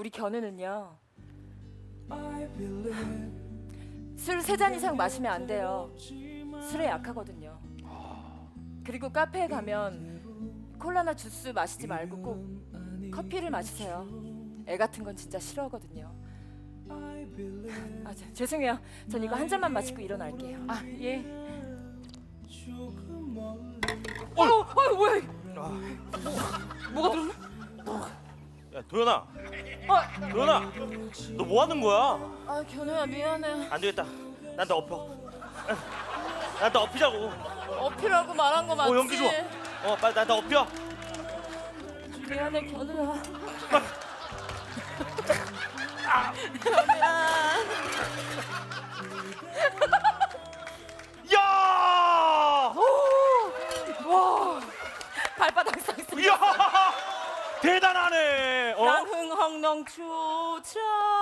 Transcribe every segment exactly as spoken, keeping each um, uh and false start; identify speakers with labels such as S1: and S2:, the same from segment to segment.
S1: 우리 견우는요. 술 세 잔 이상 마시면 안 돼요. 술에 약하거든요. 그리고 카페에 가면 콜라나 주스 마시지 말고 꼭 커피를 마시세요. 애 같은 건 진짜 싫어하거든요. 아, 저, 죄송해요. 전 이거 한 잔만 마시고 일어날게요. 아, 예. 어, 어, 뭐야? 이거. 뭐가 들었나?
S2: 야 도연아,
S1: 아,
S2: 도연아, 너 뭐 하는 거야?
S1: 아, 견우야 미안해.
S2: 안 되겠다. 난 나 엎어. 난 나 엎이자고.
S1: 어필하고 말한 거 맞지?
S2: 어 연기 좋아. 어 빨리 난 나 엎여.
S1: 미안해 견우야.
S2: 야!
S1: 와, 발바닥 쌍스.
S2: 야! 대단하네. 어?
S1: 낭흥헝렁 추자.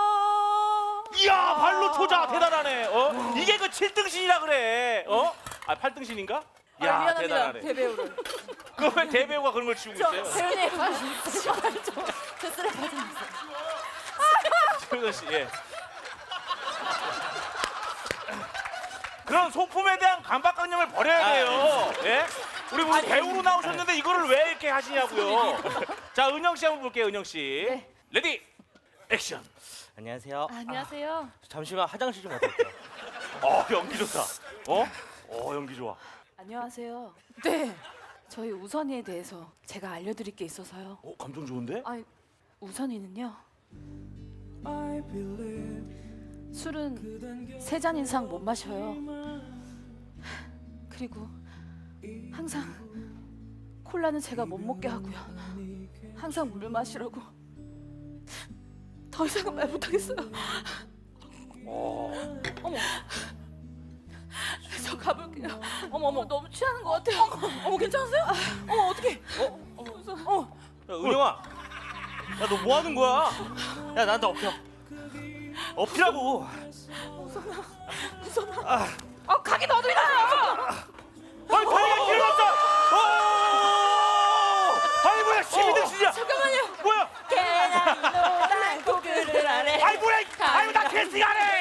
S2: 이야 발로 초자 대단하네. 어? 이게 그 칠 등신이라 그래. 어? 아 팔 등신인가? 야
S1: 아, 미안합니다.
S2: 대단하네.
S1: 대배우를.
S2: 그 왜 대배우가 그런 걸 치우고
S1: 저
S2: 있어요?
S1: 배우님 제발 좀. 저 쓰레 받으세요.
S2: 최우선 씨, 예. 그런 소품에 대한 강박관념을 버려야 돼요. 예? 우리 우리 배우로 나오셨는데 이거를 왜 이렇게 하시냐고요. 자, 은영 씨 한번 볼게요, 은영 씨.
S1: 네.
S2: 레디, 액션.
S3: 안녕하세요.
S1: 아, 안녕하세요.
S3: 잠시만 화장실 좀 갔다 올게요.
S2: 어, 연기 좋다. 어? 어, 연기 좋아.
S4: 안녕하세요.
S1: 네.
S4: 저희 우선이에 대해서 제가 알려드릴 게 있어서요.
S2: 어, 감정 좋은데?
S4: 아, 우선이는요. 술은 세 잔 이상 못 마셔요. 그리고 항상 콜라는 제가 못 먹게 하고요. 항상 물 마시라고. 더 이상은 말 못하겠어요. 어머. 저 가볼게요. 어머 어머 너무 취하는 것 같아요.
S1: 어머 괜찮으세요? 어머 어떡해?
S2: 어?
S1: 어.
S2: 야, 은영아. 야, 너 뭐 하는 거야? 야, 나한테 엎여. 엎이라고.
S1: 아 가기 너도 일어나.
S2: 아이, 다리가 길어졌어. 어! 아이, 뭐야, 십이 등신이야.
S1: 잠깐만요.
S2: 뭐야?
S1: 계란 노란 고글을 아래.
S2: 아이, 뭐야. 아이, 나 캐스팅 안 해.